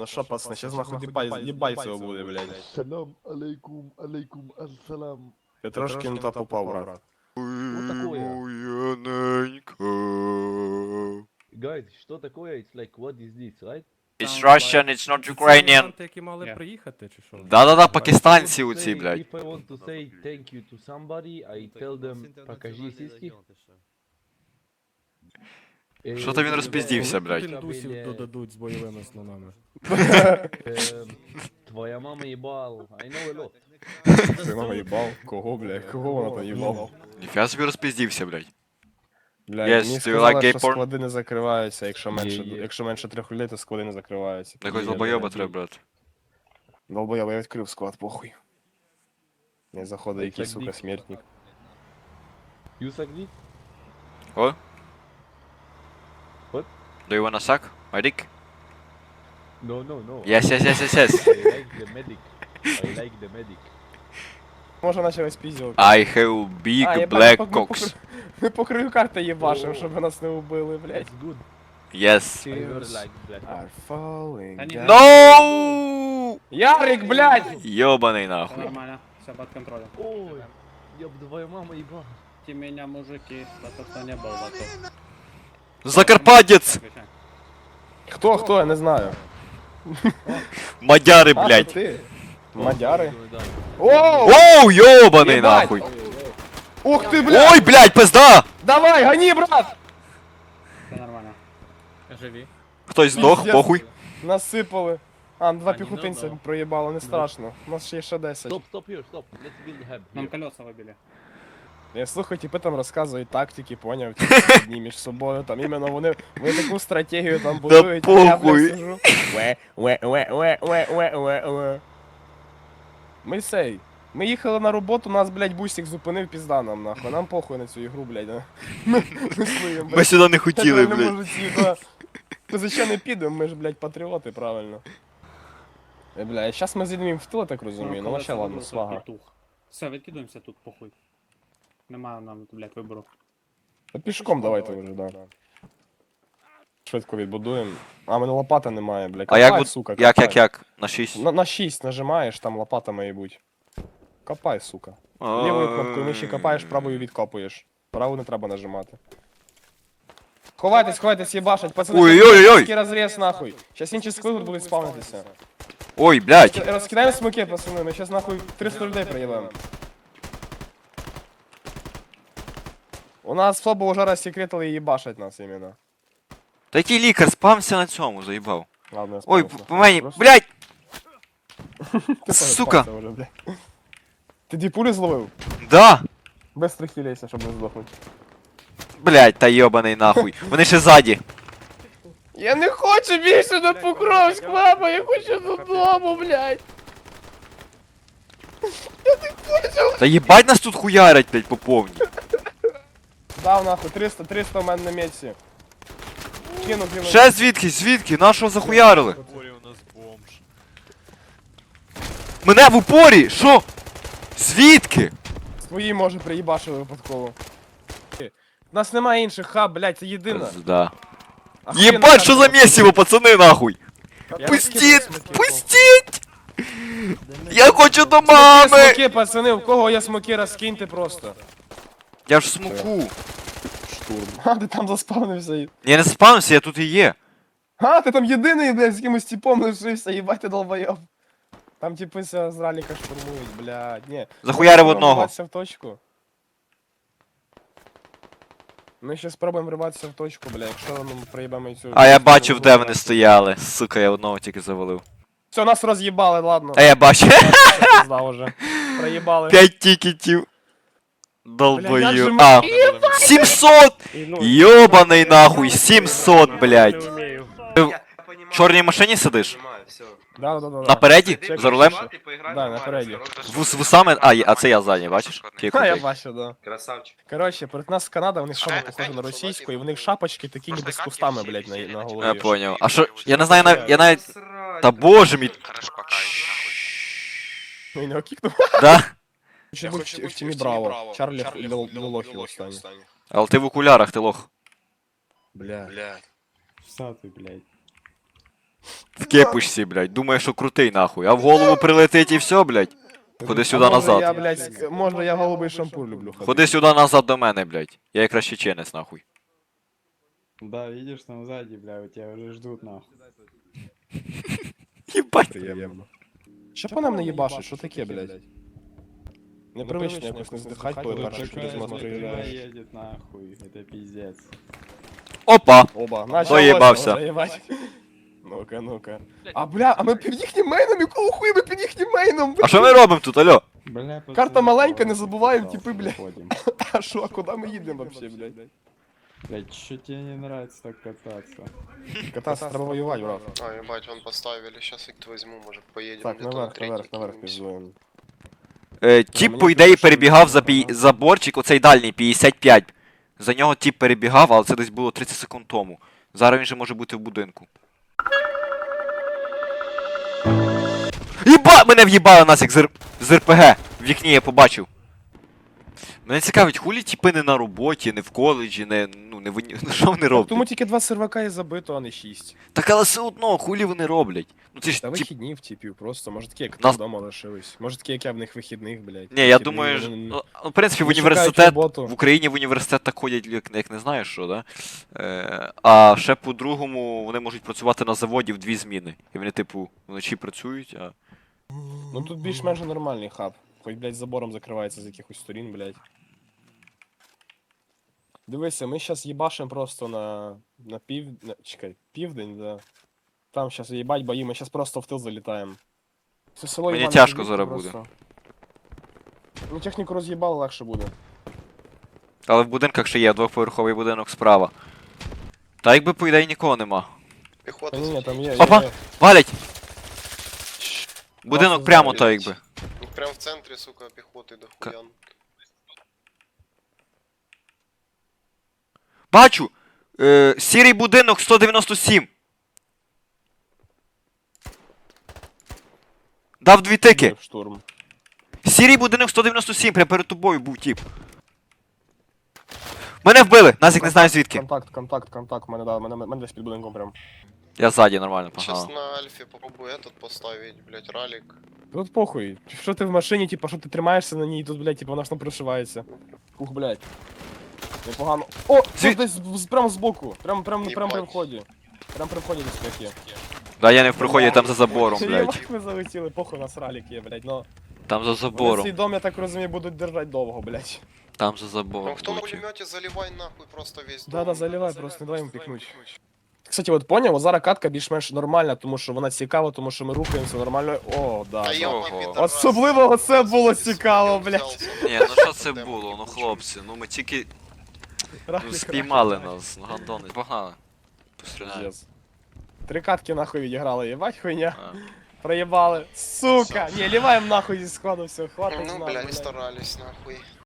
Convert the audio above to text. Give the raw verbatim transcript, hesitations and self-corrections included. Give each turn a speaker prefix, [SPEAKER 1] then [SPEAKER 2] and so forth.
[SPEAKER 1] Ну що, пацани, щас нахуй дібай, дібай цього буде, блядь.
[SPEAKER 2] Салам алейкум, алейкум ассалам.
[SPEAKER 1] Ти трошки не та попав, брат.
[SPEAKER 2] Что такое?
[SPEAKER 3] Яненька.
[SPEAKER 2] Guys, что такое? It's like, what is this, right?
[SPEAKER 3] It's Russian, it's not Ukrainian.
[SPEAKER 4] Іммігранти, які мали
[SPEAKER 5] Yeah.
[SPEAKER 4] приїхати, чи що?
[SPEAKER 3] Да-да-да,
[SPEAKER 2] If
[SPEAKER 3] пакистанці
[SPEAKER 2] I want to
[SPEAKER 3] оці,
[SPEAKER 2] say-
[SPEAKER 3] блядь.
[SPEAKER 2] If I want to say thank you to somebody, I tell them, покажи сиськи.
[SPEAKER 3] Що то він розпіздівся,
[SPEAKER 4] Коли
[SPEAKER 3] блядь?
[SPEAKER 4] тут індусів додадуть з бойовими слонами.
[SPEAKER 2] Эм, Твоя мама ебал. I know a lot.
[SPEAKER 1] Ти мама їбав? Кого, блядь? Кого вона там їбав?
[SPEAKER 3] Ніфіга собі розпіздівся, блядь.
[SPEAKER 1] Блядь,
[SPEAKER 3] Yes,
[SPEAKER 1] мені
[SPEAKER 3] do you
[SPEAKER 1] сказали,
[SPEAKER 3] like gay
[SPEAKER 1] що
[SPEAKER 3] porn?
[SPEAKER 1] склади не закриваються, якщо менше,
[SPEAKER 2] Є, є.
[SPEAKER 1] якщо менше трьох людей, то склади не закриваються.
[SPEAKER 3] Якось
[SPEAKER 1] Є,
[SPEAKER 3] долбойоба
[SPEAKER 1] блядь.
[SPEAKER 3] треба, брат.
[SPEAKER 1] Долбойоба, я відкрив склад, похуй. Не заходить
[SPEAKER 2] Так,
[SPEAKER 1] якийсь,
[SPEAKER 2] так,
[SPEAKER 1] сука,
[SPEAKER 2] дик.
[SPEAKER 1] смертник.
[SPEAKER 2] You suck dick?
[SPEAKER 3] О?
[SPEAKER 2] What?
[SPEAKER 3] Do you wanna suck my dick?
[SPEAKER 2] No, no, no.
[SPEAKER 3] Yes, yes, yes, yes, yes.
[SPEAKER 2] I like the medic. I like the medic.
[SPEAKER 1] Може наче весь пізділ.
[SPEAKER 3] I have big
[SPEAKER 1] А, я
[SPEAKER 3] black
[SPEAKER 1] бачу, ми
[SPEAKER 3] cocks.
[SPEAKER 1] Ми по краю карти їбашим,
[SPEAKER 2] О.
[SPEAKER 1] щоб нас не убили, блядь.
[SPEAKER 2] That's good.
[SPEAKER 3] Yes.
[SPEAKER 2] I heard like that.
[SPEAKER 1] Are falling
[SPEAKER 5] Они-
[SPEAKER 1] down.
[SPEAKER 3] No!
[SPEAKER 1] Ярик, блядь!
[SPEAKER 3] Ёбаный
[SPEAKER 5] Всё
[SPEAKER 3] нахуй.
[SPEAKER 5] нормально, все под контролем.
[SPEAKER 2] Ой, ёб твою маму ебал.
[SPEAKER 5] Те меня, мужики, за то, что не был готов.
[SPEAKER 3] Закарпатец!
[SPEAKER 5] Отвечай.
[SPEAKER 1] Хто, хто, я не знаю.
[SPEAKER 3] Мадяры,
[SPEAKER 1] А,
[SPEAKER 3] блядь.
[SPEAKER 1] то ти? Мадяри?
[SPEAKER 2] Да.
[SPEAKER 1] Оу!
[SPEAKER 3] Оу, ёбаный
[SPEAKER 1] Ебать!
[SPEAKER 3] нахуй.
[SPEAKER 1] Ух ти, блядь!
[SPEAKER 3] Ой, блядь, пизда!
[SPEAKER 1] Давай, гони, брат!
[SPEAKER 5] Все нормально.
[SPEAKER 4] Живі.
[SPEAKER 3] Хтось здох,
[SPEAKER 1] Пиздец.
[SPEAKER 3] похуй.
[SPEAKER 1] Насипали. А, два
[SPEAKER 4] А, не
[SPEAKER 1] піхотинця
[SPEAKER 4] надо.
[SPEAKER 1] проїбало, не страшно. У нас ще є ще десять.
[SPEAKER 2] Стоп, стоп here, стоп. Let's build hub
[SPEAKER 5] Нам
[SPEAKER 2] here.
[SPEAKER 5] колеса выбили.
[SPEAKER 1] Я слухаю, типи там розказують тактики, поняв, ті одні між собою, там іменно вони, вони таку стратегію там будують, а я,
[SPEAKER 3] похуй.
[SPEAKER 1] блядь, сижу. Уе, уе, уе, уе, уе, уе, уе, уе. Ми сей. Ми їхали на роботу, нас, блядь, бусик зупинив, пізда нам, нахуй. Нам похуй на цю ігру, блядь. а. Ми, ми своїм,
[SPEAKER 3] Ми
[SPEAKER 1] блядь.
[SPEAKER 3] сюди не
[SPEAKER 1] в
[SPEAKER 3] хотіли,
[SPEAKER 1] реальному
[SPEAKER 3] блядь.
[SPEAKER 1] житті, да. Ми звичайно підемо, ми ж, блядь, патріоти, правильно. Е, бля, зараз ми зійдемо їм в тил, я так розумію, ну вообще ладно, свага.
[SPEAKER 5] Все, відкидуємося тут, похуй. Немає нам, блядь, вибору.
[SPEAKER 1] Та пішком давайте вже, да. Швидко відбудуємо. А, в мене лопата немає, блядь.
[SPEAKER 3] А як
[SPEAKER 1] Копай,
[SPEAKER 3] буд...
[SPEAKER 1] сука,
[SPEAKER 3] Як,
[SPEAKER 1] копай.
[SPEAKER 3] як, як? На шість.
[SPEAKER 1] На, на шість нажимаєш, там лопата має бути. Копай, сука. Лівою кнопкою миші копаєш, правою відкопуєш. Праву не треба нажимати. Ховайтесь, ховайтесь, їбашать, пацани.
[SPEAKER 3] Ой-ой-ой-ой!
[SPEAKER 1] Такий розріз, нахуй. Щас інші скли тут будуть спавнитися.
[SPEAKER 3] Ой, блядь.
[SPEAKER 1] Розкидаємо смоки, пацани, ми щас нахуй триста людей приїдемо. У нас слабо уже розсекретили і їбашать нас іменно.
[SPEAKER 3] Та який лікар спався на цьому, заїбав.
[SPEAKER 1] Ладно, я
[SPEAKER 3] Ой,
[SPEAKER 1] справився.
[SPEAKER 3] по мені,
[SPEAKER 1] Просто-
[SPEAKER 3] блядь!
[SPEAKER 1] Ти
[SPEAKER 3] сука.
[SPEAKER 1] переспався вже, блядь. Ти дві пулі зловив?
[SPEAKER 3] Да!
[SPEAKER 1] Без стрихілейся, щоб не здохнути.
[SPEAKER 3] Блядь, та йобаний нахуй. Вони ще ззаді.
[SPEAKER 1] Я не хочу більше на Покровськ, мама, я хочу додому, блядь.
[SPEAKER 3] Та їбать нас тут хуярять, блядь, по повній.
[SPEAKER 1] Дав нахуй, триста, триста в мене на меці. Кину, кину.
[SPEAKER 3] Ще звідки, звідки? Нашого захуярили? Мене в упорі! Що? Звідки?
[SPEAKER 1] Свої, може, приїбашили випадково. У нас немає інших хаб, блядь, це єдина.
[SPEAKER 3] Да.
[SPEAKER 1] Охуєнна
[SPEAKER 3] Єбать, що за
[SPEAKER 1] карта.
[SPEAKER 3] місіво, пацани, нахуй!
[SPEAKER 1] Я
[SPEAKER 3] Пустіть!
[SPEAKER 1] розкидаю смоки,
[SPEAKER 3] Пустіть! Я хочу до
[SPEAKER 1] Смоки,
[SPEAKER 3] мами!
[SPEAKER 1] смоки, пацани, у кого є смоки, розкиньте просто.
[SPEAKER 3] Я ж смоку.
[SPEAKER 1] Штурм. А, ти там заспавнився. і-
[SPEAKER 3] Я не спавнився, я тут і є.
[SPEAKER 1] А, ти там єдиний, блядь, з якимось типом лишився, їбать ти долбойоб. Там типи ся з раліка штурмують, блядь, ні.
[SPEAKER 3] Захуярив
[SPEAKER 1] Ми
[SPEAKER 3] одного.
[SPEAKER 1] вриватися в точку. Ми ще спробуємо вриватися в точку, бля, якщо ми проїбемо цю...
[SPEAKER 3] А я бачив, де вони стояли. Сука, я одного тільки завалив.
[SPEAKER 1] Все, нас роз'їбали, ладно.
[SPEAKER 3] А я бачу.
[SPEAKER 1] Пизда уже. Проїбали.
[SPEAKER 3] П'ять тікетів.
[SPEAKER 1] Бля, як же
[SPEAKER 3] Долбою.
[SPEAKER 1] ми-
[SPEAKER 3] А, сімсот! Йобаний нахуй, сімсот, блядь. Ти в чорній машині сидиш?
[SPEAKER 1] Да, да, да, да.
[SPEAKER 3] Напереді?
[SPEAKER 1] Чекай,
[SPEAKER 3] За рулем?
[SPEAKER 1] ще. Да, напереді.
[SPEAKER 3] З з вусами? А, є- а це я ззаді, бачиш? Який
[SPEAKER 1] Ха, я
[SPEAKER 3] крутий.
[SPEAKER 1] бачу, да.
[SPEAKER 6] Красавчик.
[SPEAKER 1] Коротше, перед нас Канада, у них шапка похожа на російську, і в них шапочки такі ніби з кустами, блядь, на, на голові.
[SPEAKER 3] Я поняв. А що, я не знаю, нав- я навіть... Та боже мій...
[SPEAKER 1] Ну, і не окікнув.
[SPEAKER 3] Да?
[SPEAKER 1] Чи був в в тімі Браво. Чарлі Лолохів останній.
[SPEAKER 3] Але ти в окулярах, ти лох.
[SPEAKER 1] Бля.
[SPEAKER 5] Что ты, блядь?
[SPEAKER 3] В кепушці, блядь. Думає, що крутий нахуй. А в голову прилетить і все, блядь. Ходи сюди
[SPEAKER 1] А може
[SPEAKER 3] назад.
[SPEAKER 1] Я, блядь, ск- може я голубий шампур люблю ходити.
[SPEAKER 3] Ходи сюди назад до мене, блядь. Я якраз чеченець, нахуй.
[SPEAKER 6] Да, видишь, там сзади, бля, у тебя уже ждут, нахуй.
[SPEAKER 3] Єбать.
[SPEAKER 1] Приємно. Що по нам не їбашить? Що таке, блядь? Непривично якось не здихать, коли перший
[SPEAKER 6] Такая
[SPEAKER 1] через мост
[SPEAKER 6] смотрела
[SPEAKER 1] приїжджаєш.
[SPEAKER 6] едет, нахуй, это пиздец.
[SPEAKER 3] Опа.
[SPEAKER 1] Оба, началося
[SPEAKER 3] Доїбався.
[SPEAKER 1] вже, їбать. Ну-ка, ну-ка. А, бля, а ми під їхнім мейном, якого хуя ми під їхнім мейном?
[SPEAKER 3] А що ми робимо тут, алло?
[SPEAKER 6] Бля,
[SPEAKER 1] Карта
[SPEAKER 6] пацаны,
[SPEAKER 1] маленька, не
[SPEAKER 6] давай,
[SPEAKER 1] забуваємо,
[SPEAKER 6] пожалуйста,
[SPEAKER 1] типи, бля.
[SPEAKER 6] выходим.
[SPEAKER 1] А що, а куди ми їдемо вообще, блядь?
[SPEAKER 6] Блядь, что тебе не нравится так кататься?
[SPEAKER 1] Кататься треба воювати, брат.
[SPEAKER 7] А, ебать, вон поставили, сейчас их возьму, может поедем
[SPEAKER 1] Так,
[SPEAKER 7] где-то
[SPEAKER 1] наверх,
[SPEAKER 7] третий
[SPEAKER 1] наверх, наверх
[SPEAKER 7] кинемся.
[SPEAKER 1] піздуємо.
[SPEAKER 3] Е, тіп,
[SPEAKER 1] мені
[SPEAKER 3] по ідеї,
[SPEAKER 1] кажуть, що
[SPEAKER 3] перебігав
[SPEAKER 1] ми-
[SPEAKER 3] за пі... заборчик, оцей дальній, п'ятдесят п'ять. За нього тіп перебігав, але це десь було тридцять секунд тому. Зараз він же може бути в будинку. Єба! Мене в'їбали нас як з, Р... з РПГ. В вікні я побачив. Мене цікавить, хулі тіпи не на роботі, не в коледжі, не, ну, не в... уні- ну, що вони роблять?
[SPEAKER 1] Тому тільки два сервака і забито, а не шість.
[SPEAKER 3] Так але все одно, хулі вони роблять. Ну це ж
[SPEAKER 1] Та
[SPEAKER 3] тіп...
[SPEAKER 1] вихідні в типів просто, може такі, як
[SPEAKER 3] Нас-
[SPEAKER 1] вдома лишились. Може такі, як я в них вихідних, блядь.
[SPEAKER 3] Ні, я
[SPEAKER 1] Вихідні,
[SPEAKER 3] думаю, ж...
[SPEAKER 1] вони не-
[SPEAKER 3] ну, в принципі, в
[SPEAKER 1] не шукають
[SPEAKER 3] університет,
[SPEAKER 1] роботу.
[SPEAKER 3] в Україні в університет так ходять, як, як не знаю що, да? Е, а ще по-другому вони можуть працювати на заводі в дві зміни. І вони, типу, вночі працюють, а.
[SPEAKER 1] Ну тут більш-менш нормальний хаб. Хоч, блядь, забором закривається з якихось сторін, блядь. Дивися, ми зараз їбашим просто на, на пів... На... Чекай, південь, да. Там зараз їбать бої, ми зараз просто в тил залітаємо. Це село
[SPEAKER 3] Мені
[SPEAKER 1] їбане
[SPEAKER 3] тяжко
[SPEAKER 1] звідти
[SPEAKER 3] зараз
[SPEAKER 1] просто. Ну техніку роз'їбало, легше буде.
[SPEAKER 3] Але в будинках ще є двохповерховий будинок справа. Та якби по ідеї нікого нема.
[SPEAKER 7] Пехота
[SPEAKER 1] Та ні, ні, там є, є,
[SPEAKER 3] Опа!
[SPEAKER 1] є.
[SPEAKER 3] Валять! Будинок
[SPEAKER 1] Бачу,
[SPEAKER 3] прямо
[SPEAKER 1] зараз.
[SPEAKER 3] то якби.
[SPEAKER 7] Ну, прям в центре, сука, пехоты до
[SPEAKER 3] Ка-
[SPEAKER 7] хуян.
[SPEAKER 3] Бачу! Е, сірий будинок сто дев'яносто сім. Дав дві тики.
[SPEAKER 1] В штурм.
[SPEAKER 3] Сірий будинок сто дев'яносто сім, прямо перед тобою був тіп. Мене вбили! Назік не знаю звідки.
[SPEAKER 1] Контакт, контакт, контакт. Мене, да, мене, мене десь під будинком прям.
[SPEAKER 3] Я ззаді нормально,
[SPEAKER 7] Сейчас
[SPEAKER 3] погнали.
[SPEAKER 7] на Альфе попробую этот поставить, блять, ралик.
[SPEAKER 1] Тут похуй. Що ти в машині, типа, що ти тримаєшся на ній, тут, блядь, типа, вона ж там прошивається. Ух, блядь. Непогано. О!
[SPEAKER 3] Звід-
[SPEAKER 1] Тут десь з- прямо збоку. Прям, прям, прям при
[SPEAKER 7] Їбать.
[SPEAKER 1] вході. Прям при вході десь як є.
[SPEAKER 3] Да, я не в приході, там за забором, блядь.
[SPEAKER 1] Єбать, ми залетіли, похуй, у нас ралік є, блядь, но...
[SPEAKER 3] Там за
[SPEAKER 1] Вони цей
[SPEAKER 3] забором.
[SPEAKER 1] дом, я так розумію, будуть держати довго, блядь.
[SPEAKER 3] Там за
[SPEAKER 7] Ну,
[SPEAKER 3] забором.
[SPEAKER 7] кто на
[SPEAKER 3] будь.
[SPEAKER 7] пулемете, заливай нахуй просто весь дом.
[SPEAKER 1] Да-да, заливай, просто не дай йому пікнуть. Кстати, от поняв, от зараз катка більш-менш нормальна, тому що вона цікава, тому що ми рухаємося нормально. О, да.
[SPEAKER 7] А
[SPEAKER 1] да.
[SPEAKER 7] я
[SPEAKER 3] Ого.
[SPEAKER 7] пидорас.
[SPEAKER 1] Особливо оце було цікаво,
[SPEAKER 7] Я
[SPEAKER 1] блядь.
[SPEAKER 7] взялся.
[SPEAKER 3] Ні, ну що це було, ну хлопці, ну ми тільки ну,
[SPEAKER 1] Ралік,
[SPEAKER 3] спіймали
[SPEAKER 1] ралік,
[SPEAKER 3] нас, ну гандони. Погнали. Постріляємо.
[SPEAKER 1] Пиздец. Три катки нахуй відіграли, єбать хуйня.
[SPEAKER 3] А.
[SPEAKER 1] Проебали. Сука! Не, ливаем нахуй из складу, все, хватит.
[SPEAKER 7] Ну,
[SPEAKER 1] нахуй,
[SPEAKER 7] бля, не
[SPEAKER 1] блядь.
[SPEAKER 7] старались, нахуй.